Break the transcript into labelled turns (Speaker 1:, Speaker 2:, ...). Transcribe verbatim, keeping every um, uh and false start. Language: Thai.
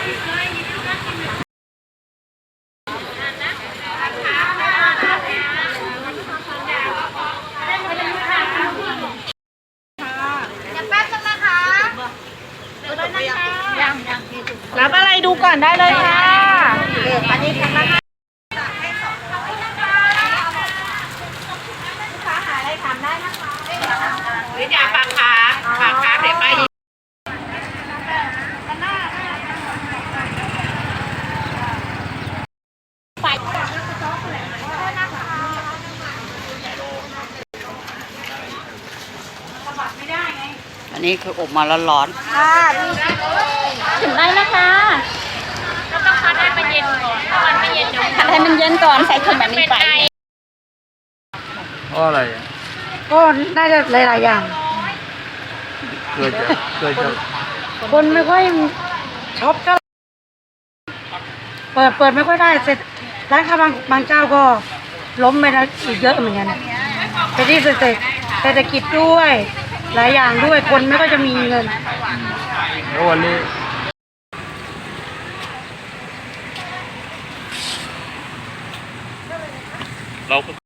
Speaker 1: รับอะไรดูก่อนได้เลยค่ะอันนี้ครั้งละห้าลูกค้าหาอะไรถามได้นะคะหรืออยากฝากขาฝากขาเดี๋ยวไป
Speaker 2: อันนี้คืออบมาร้อนๆ
Speaker 1: ค่ะถึงได้นะคะก็ต้องทานให้มันเย็นก่อนถ้ามันไม่เย็นเดี๋ยวทานให้มันเย็นก่อนใส่ถุงแบบนี้ไป
Speaker 3: เพราะอะไร
Speaker 1: ก็น่าจะหลายๆอย่าง
Speaker 3: เกิดจากเกิดจาก
Speaker 1: คนไม่ค่อยช็อปก็เปิดเปิดไม่ค่อยได้เสร็จร้านค้าบางบางเจ้าก็ล้มไปแล้วอีกเยอะเหมือนกันแต่ที่เศรษฐเศรษฐกิจด้วยหลายอย่างด้วยคนไม่ค่อยจะมีเงิน
Speaker 3: แล้ววันนี้เรา